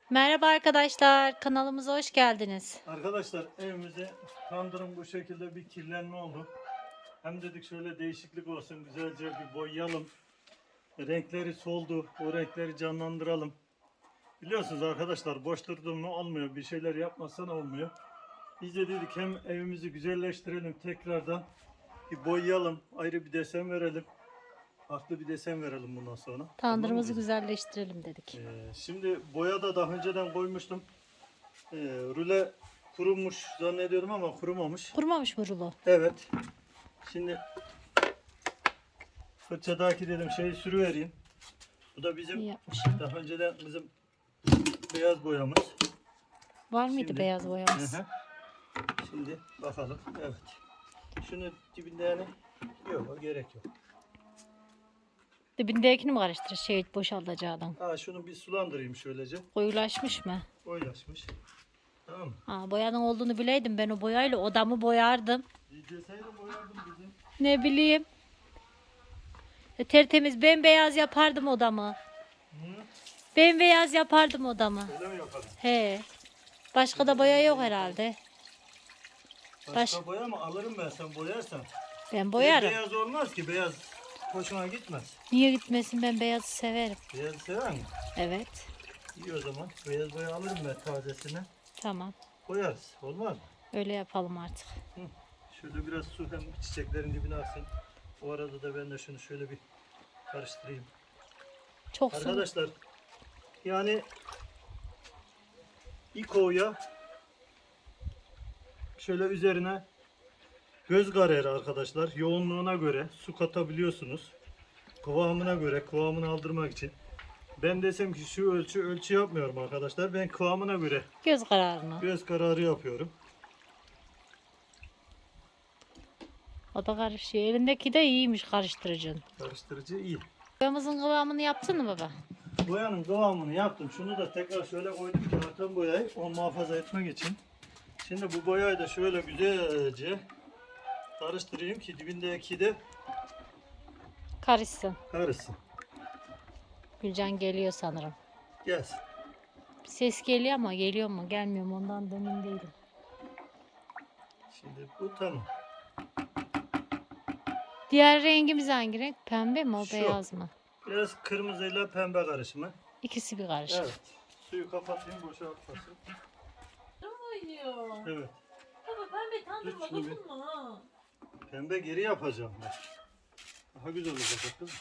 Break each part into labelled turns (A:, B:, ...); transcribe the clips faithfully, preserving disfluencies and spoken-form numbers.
A: Merhaba arkadaşlar, kanalımıza hoş geldiniz.
B: Arkadaşlar evimize tandırın bu şekilde bir kirlenme oldu. Hem dedik şöyle değişiklik olsun, güzelce bir boyayalım. Renkleri soldu, o renkleri canlandıralım. Biliyorsunuz arkadaşlar, boş durdum mu olmuyor, bir şeyler yapmazsan olmuyor. Biz de dedik hem evimizi güzelleştirelim, tekrardan bir boyayalım, ayrı bir desen verelim. Farklı bir desen verelim bundan sonra.
A: Tandırımızı
B: Tamam mı?
A: güzelleştirelim dedik.
B: Ee, şimdi boya da daha önceden koymuştum. Ee, rüle kurumuş zannediyorum ama kurumamış.
A: Kurumamış mı rulo?
B: Evet. Şimdi fırçadaki dedim şeyi sürüvereyim. Bu da bizim
A: İyi yapmışım.
B: daha önceden bizim beyaz boyamız.
A: Var mıydı
B: Şimdi-
A: beyaz boyamız?
B: Hı hı. Şimdi bakalım. Evet. Şunu dibinde yani yok, gerek yok.
A: Dibindekini mi karıştırır şey boşaltacağından?
B: Ha, şunu bir sulandırayım şöylece.
A: Koyulaşmış mı?
B: Oylaşmış. Tamam mı?
A: Aa, boyanın olduğunu bileydim, ben o boyayla odamı boyardım.
B: Deseydim boyardım bizim.
A: Ne bileyim. E, tertemiz bembeyaz yapardım odamı.
B: Hı?
A: Bembeyaz yapardım odamı.
B: Öyle mi yapalım?
A: He. Başka da boya yok herhalde.
B: Başka
A: Baş-
B: boya mı alırım ben, sen boyarsan.
A: Ben boyarım.
B: Beyaz olmaz ki, beyaz hoşuna gitmez.
A: Niye gitmesin, ben beyazı severim.
B: Beyaz sever mi?
A: Evet.
B: İyi, o zaman beyaz boya alırım ben tazesini.
A: Tamam.
B: Koyarız. Olmaz mı?
A: Öyle yapalım artık.
B: Hı. Şöyle biraz su hem çiçeklerin dibine aksın. O arada da ben de şunu şöyle bir karıştırayım.
A: Çok su.
B: Arkadaşlar yani İko'ya şöyle üzerine göz kararı arkadaşlar, yoğunluğuna göre su katabiliyorsunuz. Kıvamına göre, kıvamını aldırmak için. Ben desem ki şu ölçü ölçü yapmıyorum arkadaşlar. Ben kıvamına göre
A: Göz kararını.
B: göz kararı yapıyorum.
A: O da karışıyor. Elindeki de iyiymiş karıştırıcın.
B: Karıştırıcı iyi.
A: Boyamızın kıvamını yaptın mı baba?
B: Boyanın kıvamını yaptım. Şunu da tekrar şöyle koydum ki artan boyayı onu muhafaza etmek için. Şimdi bu boyayı da şöyle güzelce karıştırayım ki dibindeki de
A: Karışsın.
B: karışsın.
A: Gülcan geliyor sanırım.
B: Gelsin.
A: Bir ses geliyor ama geliyor mu gelmiyor mu ondan da emin değilim.
B: Şimdi bu tamam.
A: Diğer rengimiz hangi renk? Pembe mi o
B: Şu.
A: beyaz mı?
B: Biraz kırmızıyla pembe karışımı.
A: İkisi bir karışık.
B: Evet. Suyu kapatayım, boşaltmasın.
C: oynuyor.
B: Evet.
C: Baba pembe tandırma
B: Dur şunu bir-
C: dokunma ha.
B: Pembe geri yapacağım ben. Daha güzel olacak bakın.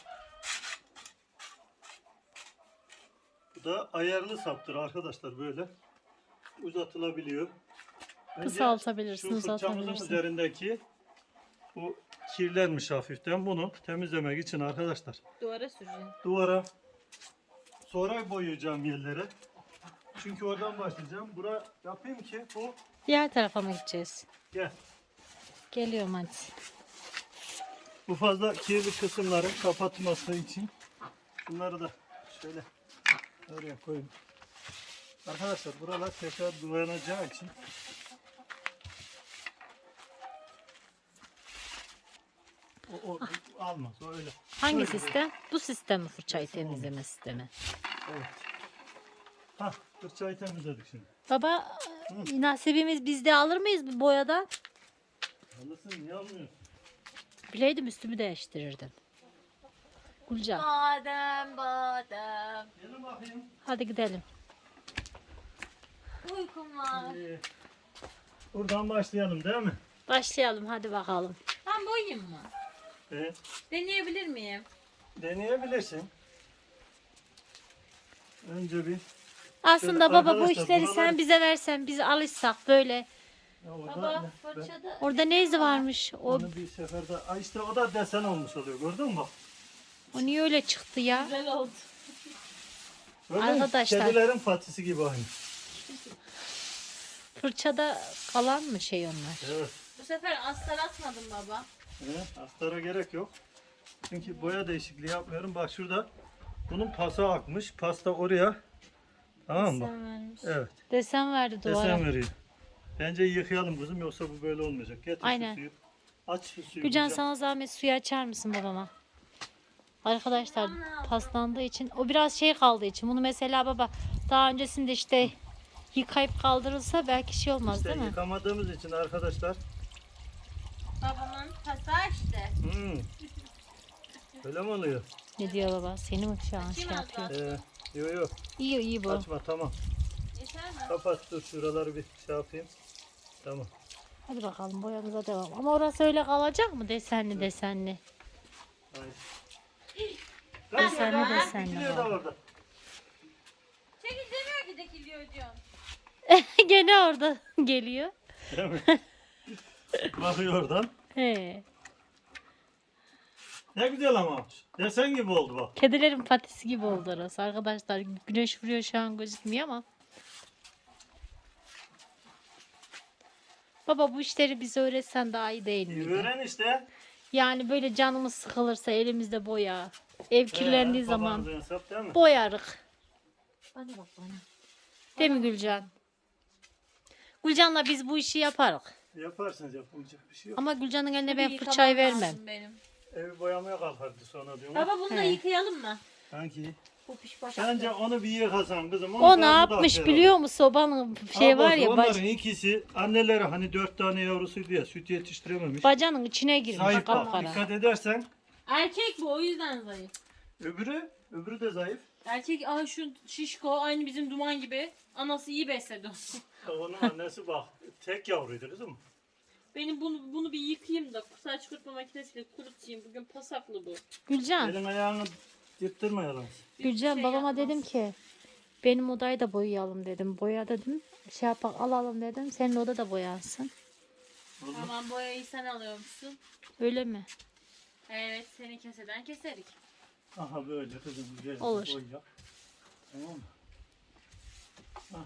B: Bu da ayarlı saptır arkadaşlar, böyle uzatılabiliyor. Bence
A: Kısaltabilirsin,
B: şu fırçamızın
A: uzatabilirsin.
B: üzerindeki bu kirlenmiş hafiften, bunu temizlemek için arkadaşlar
C: Duvara süreceğim.
B: duvara sonra boyayacağım yerlere. Çünkü oradan başlayacağım. Bura yapayım ki bu
A: Diğer tarafa mı gideceğiz?
B: gel.
A: Geliyorum hadi.
B: Bu fazla kirli kısımların kapatması için bunları da şöyle oraya koyayım. Arkadaşlar buralar tekrar boyanacağı için o, o almaz, o öyle.
A: Hangi
B: Böyle
A: sistem? Bu sistem mi, fırçayı temizleme sistemi?
B: Evet. Hah, fırçayı temizledik şimdi.
A: Baba, e, nasibimiz bizde, alır mıyız bu boyadan?
B: Alırsın, niye almıyorsun?
A: Bileydim üstümü değiştirirdim. Gülcan,
C: Badem badem.
B: Gelin bakayım.
A: hadi gidelim.
C: Uykum var.
B: Ee, buradan başlayalım değil mi?
A: Başlayalım hadi bakalım.
C: Ben boyayayım mı?
B: Ee,
C: Deneyebilir miyim?
B: deneyebilirsin. Önce bir
A: Aslında
B: Şöyle
A: baba bu
B: arkadaşlar,
A: işleri
B: buralar-
A: sen bize versen, biz alışsak böyle.
B: ya orada
C: Baba
B: ne- ben-
C: fırçada.
A: Orada ne izi varmış? O,
B: Onu bir seferde, Ay işte o da desen olmuş oluyor, gördün mü bak.
A: o niye öyle çıktı ya?
C: Güzel oldu.
B: Böyle
A: Arkadaşlar.
B: kedilerin patisi gibi aynı.
A: Fırçada kalan mı şey onlar?
B: Evet.
C: Bu sefer astar atmadım baba.
B: Evet, astara gerek yok. Çünkü boya değişikliği yapmıyorum. Bak şurada bunun pası akmış. Pasta oraya. Tamam mı?
C: Sen vermiş.
B: Evet.
A: Desen verdi duvara.
B: Desen veriyor. Bence yıkayalım kızım, yoksa bu böyle olmayacak. Getir
A: Aynen.
B: şu suyu. Aç şu suyu.
A: Gülcan,
B: Gülcan.
A: sana zahmet suyu açar mısın babama? Arkadaşlar paslandığı için o biraz şey kaldığı için bunu mesela baba daha öncesinde işte yıkayıp kaldırılsa belki şey olmaz
B: İşte
A: değil mi?
B: yıkamadığımız için arkadaşlar.
C: Babamın pasa işte.
B: Hmm. Öyle mi oluyor?
A: Ne diyor baba? Seni mi şu an şey
C: Açayım az
A: yapıyor?
B: Ee, yok yok.
A: İyi iyi bu.
B: Açma tamam.
C: Yeter mi?
B: Kapat dur şuraları bir şey yapayım. Tamam.
A: Hadi bakalım boyamıza devam. Ama orası öyle kalacak mı desenli desenli?
B: Hayır.
A: Desenli
B: Lan,
A: desenli
B: dikiliyor da
A: var.
B: orada.
C: Çekil demiyor ki dikiliyor diyorsun.
A: Gene orada geliyor.
B: Değil mi? Bakıyor oradan.
A: He.
B: Ne güzel ama. Desen gibi oldu bak.
A: Kedilerin patisi gibi oldu orası arkadaşlar. Güneş vuruyor şu an gözükmüyor ama. Baba bu işleri bize öğretsen daha iyi değil
B: İyi
A: miydi?
B: öğren işte.
A: Yani böyle canımız sıkılırsa elimizde boya. Ev kirlendiği
B: Ee,
A: zaman
B: babanızın hesap değil mi?
A: boyarık. Bana bak bana. Değil mi Gülcan? Gülcan'la biz bu işi yaparık.
B: Yaparsınız yapılacak bir şey yok.
A: Ama Gülcan'ın eline ben
C: Bir
A: fırçayı
C: yıkamam
A: vermem.
C: lazım benim.
B: Evi boyamaya kalkardı sonra diyorum.
C: Baba bunu da
A: He.
B: yıkayalım
C: yıkayalım mı?
B: Sanki.
C: Bu piş başaklı.
B: Bence onu bir yıkasan kızım. onu
A: O
B: daha
A: ne
B: bu da
A: yapmış
B: aferin.
A: biliyor musun? Sobanın şey var ya
B: Onların
A: bac-
B: ikisi anneleri hani dört tane yavrusuydu ya süt yetiştirememiş.
A: bacanın içine girmiş
B: Zayıf bak
A: kapkara.
B: dikkat edersen.
C: Erkek bu o yüzden zayıf.
B: Öbürü, öbürü de zayıf.
C: Erkek aa şu şişko aynı bizim duman gibi. Anası iyi besledi onu.
B: Onun annesi bak tek yavruydu kızım.
C: Benim bunu bunu bir yıkayayım da saç kurutma makinesiyle kurutayım. Bugün pasaklı bu.
A: Gülcan,
B: Elin ayağını yırttırmayalım.
C: Bir
A: Gülcan
C: şey
A: babama
C: yapmaz.
A: dedim ki benim odayı da boyayalım dedim. Boya dedim. Şey yapak alalım dedim. Senin oda da boyansın.
C: Tamam boyayı sen alıyormuşsun.
A: Öyle mi?
C: Evet seni keseden keserik.
B: Aha böyle kızım güzel.
A: Olur.
B: Boy yap. Tamam mı? Hah.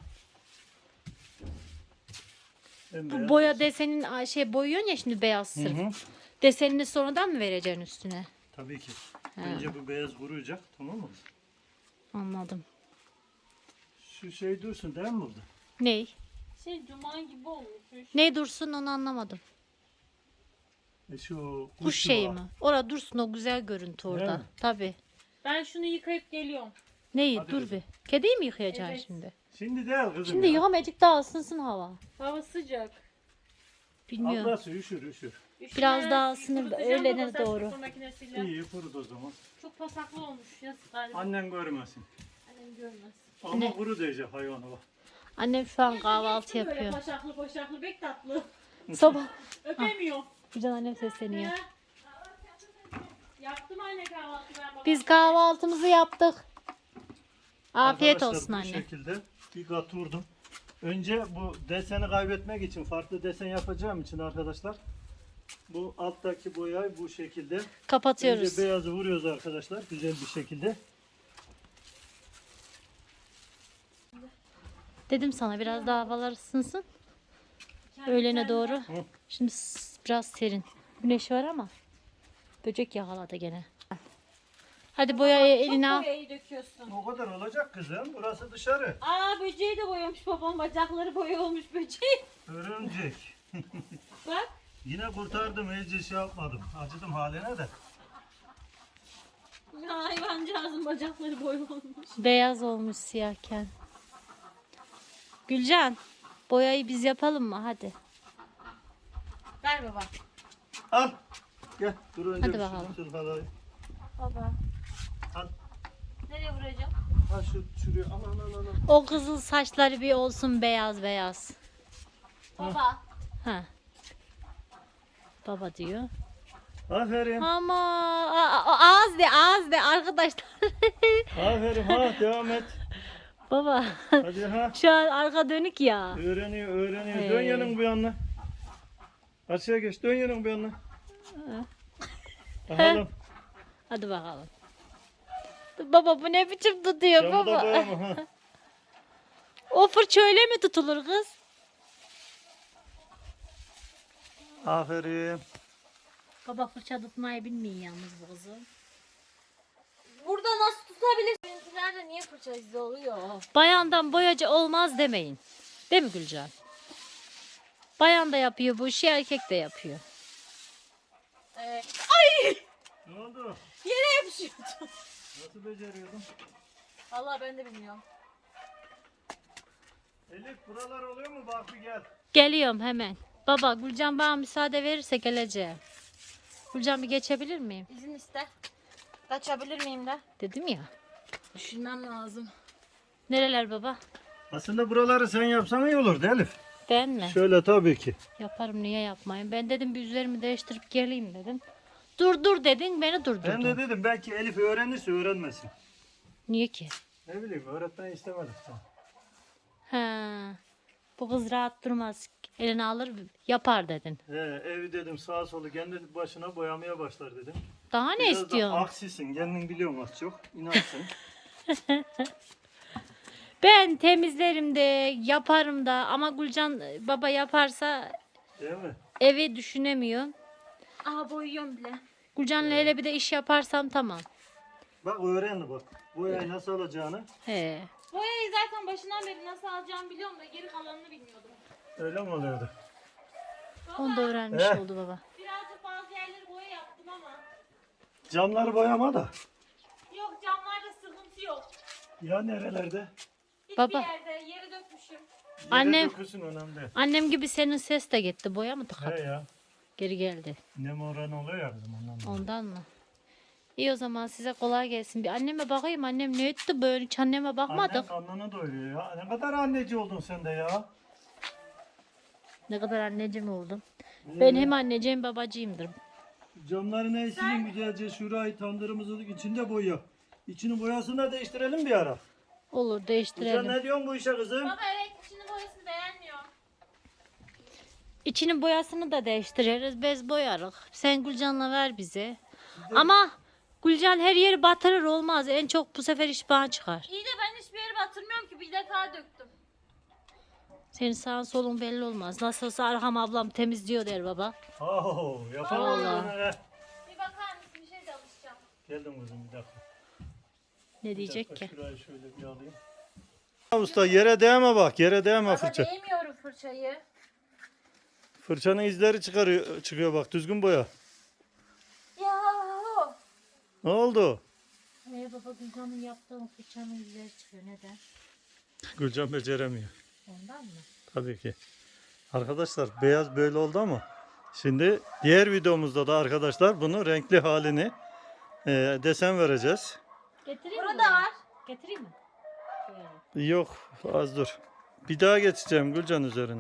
A: Bu
B: Bembeyaz
A: boya
B: olsun.
A: desenin a, şey boyuyorsun ya şimdi beyaz
B: Hı
A: sırf.
B: hı.
A: Desenini sonradan mı vereceksin üstüne?
B: Tabii ki.
A: Ha.
B: Önce bu beyaz kuruyacak tamam mı?
A: Anladım.
B: Şu şey dursun değil mi burada?
A: Ney?
C: Şey duman gibi olmuş.
A: Ney dursun onu anlamadım.
B: E şu
A: Kuş şeyi
B: var.
A: mi? Orada dursun o güzel görüntü
B: Değil
A: orada.
B: mi?
A: Tabii.
C: Ben şunu yıkayıp geliyorum.
A: Neyi?
B: Hadi
A: Dur
B: kızım.
A: bir. Kediyi mi yıkayacaksın
C: Evet.
A: şimdi?
B: Şimdi değil kızım
A: Şimdi
B: ya.
A: yıkamacık daha ısınsın hava.
C: Hava sıcak.
A: Bilmiyorum.
B: Ablası üşür üşür.
A: Biraz daha ısınır da
C: kurutacağım
A: öğlene
C: baba saç
A: doğru.
C: kurutma makinesiyle.
B: İyi kurut o zaman.
C: Çok pasaklı olmuş. Yazık galiba.
B: Annen görmesin.
C: Annem görmez.
B: Ama
A: Ne?
B: kuru diyecek hayvanı bak.
A: Annem şu an kahvaltı
C: Böyle
A: yapıyor.
C: paşaklı paşaklı pek tatlı.
A: Sabah.
C: Öpemiyor.
A: Gülcan annem sesleniyor.
C: He. Yaptım anne kahvaltı ben baba.
A: Biz kahvaltımızı yaptık. Afiyet
B: Arkadaşlar,
A: olsun
B: bu
A: anne.
B: şekilde bir kat vurdum. Önce bu deseni kaybetmek için farklı desen yapacağım için arkadaşlar bu alttaki boyayı bu şekilde
A: Kapatıyoruz.
B: önce beyazı vuruyoruz arkadaşlar güzel bir şekilde.
A: Dedim sana biraz daha havalar ısınsın. Öğlene doğru.
B: Hı.
A: Şimdi s- biraz serin. Güneş var ama böcek yakaladı gene. Hadi boyayı eline al.
C: Çok boyayı döküyorsun.
B: O kadar olacak kızım. Burası dışarı.
C: Aa böceği de boyamış babam. Bacakları boya olmuş böceği.
B: Örümcek.
C: Bak.
B: Yine kurtardım. Hiç şey yapmadım. Acıdım haline de.
C: Ya hayvancağızın bacakları boya olmuş.
A: Beyaz olmuş siyahken. Gülcan, boyayı biz yapalım mı? Hadi.
C: Ver baba.
B: Al. Gel. Dur önce
A: Hadi
B: bir
A: bakalım.
B: şunu sırfalayayım.
C: Baba.
B: Al.
C: Nereye vuracağım?
B: Al şu şuraya. Al al al al.
A: O kızıl saçları bir olsun beyaz beyaz.
C: Baba.
A: Ha. Baba diyor.
B: Aferin.
A: Ama a- a- ağız de ağız de arkadaşlar.
B: Aferin. Ha devam et.
A: Baba
B: Hadi ha.
A: şu an arka dönük ya.
B: Öğreniyor öğreniyor.
A: Hey.
B: Dön yanın bu yanına. Aşağı geç. Dön yanın bu yanına. Bakalım.
A: Hadi bakalım. Baba bu ne biçim tutuyor
B: Camı da
A: baba?
B: boyama ha.
A: O fırça öyle mi tutulur kız?
B: Aferin.
A: Baba fırça tutmayı bilmiyor yalnız bu kızı.
C: Burada nasıl tutabilir? Benimkilerde niye fırça izi oluyor?
A: Bayandan boyacı olmaz demeyin. Değil mi Gülcan? Bayan da yapıyor bu işi, erkek de yapıyor.
C: Ee,
B: Ne oldu?
C: Yere yapışıyordu.
B: Nasıl beceriyordun?
C: Vallahi ben de bilmiyorum.
B: Elif buralar oluyor mu? Bak bir gel.
A: Geliyorum hemen. Baba Gülcan bana müsaade verirse geleceğim. Gülcan bir geçebilir miyim?
C: İzin iste. Kaçabilir miyim de?
A: Dedim ya.
C: Düşünmem lazım.
A: Nereler baba?
B: Aslında buraları sen yapsan iyi olurdu Elif.
A: Ben mi?
B: Şöyle tabii ki.
A: Yaparım, niye yapmayayım? Ben dedim bir üzerimi değiştirip geleyim dedim. Dur dur dedin, beni
B: Ben
A: durdurdun.
B: de dedim belki Elif öğrenirse öğrenmesin.
A: Niye ki?
B: Ne bileyim öğretmen istemedik sen.
A: Ha. Bu kız rahat durmaz. Eline alır yapar dedin.
B: He, evi dedim sağa solu kendi başına boyamaya başlar dedim.
A: Daha ne
B: Biraz da
A: istiyorsun?
B: aksisin kendin biliyorsun az çok. İnansın.
A: Ben temizlerim de yaparım da ama Gülcan baba yaparsa
B: Değil mi?
A: evi düşünemiyor.
C: Aha boyuyorum bile.
A: Gülcan'la hele bir de iş yaparsam tamam.
B: Bak öğrendi bak. Boyayı nasıl alacağını.
A: He.
C: Boyayı zaten başından beri nasıl alacağımı biliyorum da geri kalanını bilmiyordum.
B: Öyle mi oluyordu?
A: Onu da öğrenmiş
B: He.
A: oldu baba.
C: Birazcık bazı yerleri boya yaptım ama.
B: Camları boyama da.
C: Yok camlarda sıkıntı yok.
B: Ya nerelerde?
C: Hiçbir
A: Baba.
C: yerde yere dökmüşüm.
B: Yere
A: Annem-
B: dökülsün önemli.
A: Annem gibi senin ses de gitti. Boya mı
B: He
A: tıkadı?
B: ya.
A: Geri geldi.
B: Nem oranı oluyor ya bizim ondan. dolayı.
A: Ondan mı? İyi o zaman size kolay gelsin. Bir anneme bakayım. Annem ne etti böyle? Hiç anneme bakmadık.
B: Annen karnını doyuruyor ya. Ne kadar anneci oldun sen de ya.
A: Ne kadar anneciğim oldum.
B: Ee,
A: Ben hem anneciğim babacığımdır.
B: Camların eşiğini güzelce şurayı tandırımızın içinde boya. İçini boyasını da değiştirelim bir ara.
A: Olur
B: Sen
A: değiştirelim.
B: ne diyorsun bu işe kızım?
C: Baba evet içinin boyasını beğenmiyor.
A: İçinin boyasını da değiştiririz. Bez boyarız. Sen Gülcan'la ver bize. Ama Gülcan her yeri batırır olmaz. En çok bu sefer iş bana çıkar.
C: İyi de ben hiçbir yere batırmıyorum ki bir defa döktüm.
A: Senin sağın solun belli olmaz. Nasıl olsa Arham ablam temizliyor der baba.
B: Oo, yapalım
A: Vallahi.
B: bunu he.
C: Bir bakar mısın bir şey de alışacağım.
B: Geldim kızım bir dakika.
A: Ne
B: Bir
A: diyecek
B: dakika,
A: ki?
B: Şurayı şöyle bir alayım. Usta yere değme bak, yere değme
C: Baba
B: fırça.
C: değmiyorum fırçayı.
B: Fırçanın izleri çıkarıyor, çıkıyor bak, düzgün boya.
C: Ya.
B: Ne oldu?
A: Ee, baba Gülcan'ın yaptığı fırçanın izleri çıkıyor. Neden?
B: Gülcan beceremiyor.
A: Ondan mı?
B: Tabii ki. Arkadaşlar beyaz böyle oldu ama şimdi diğer videomuzda da arkadaşlar bunu renkli halini e, desen vereceğiz.
A: Getireyim mi?
C: Burada var.
A: Getireyim mi? Böyle.
B: Yok az dur. Bir daha geçeceğim Gülcan üzerine.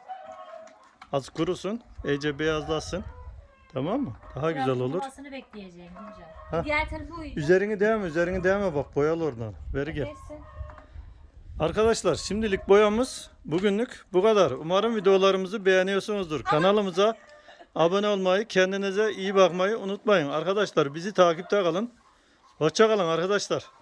B: Az kurusun, iyice beyazlasın. Tamam mı? Daha güzel olur.
A: Kurumasını bekleyeceğim Gülcan.
B: Ha.
C: Diğer tarafı uyuyor.
B: Üzerini değme, üzerini değme bak boyalı oradan. Veri gel.
C: Neyse.
B: Arkadaşlar şimdilik boyamız bugünlük bu kadar. Umarım videolarımızı beğeniyorsunuzdur. Kanalımıza abone olmayı, kendinize iyi bakmayı unutmayın. Arkadaşlar bizi takipte kalın. Hoşça kalın arkadaşlar.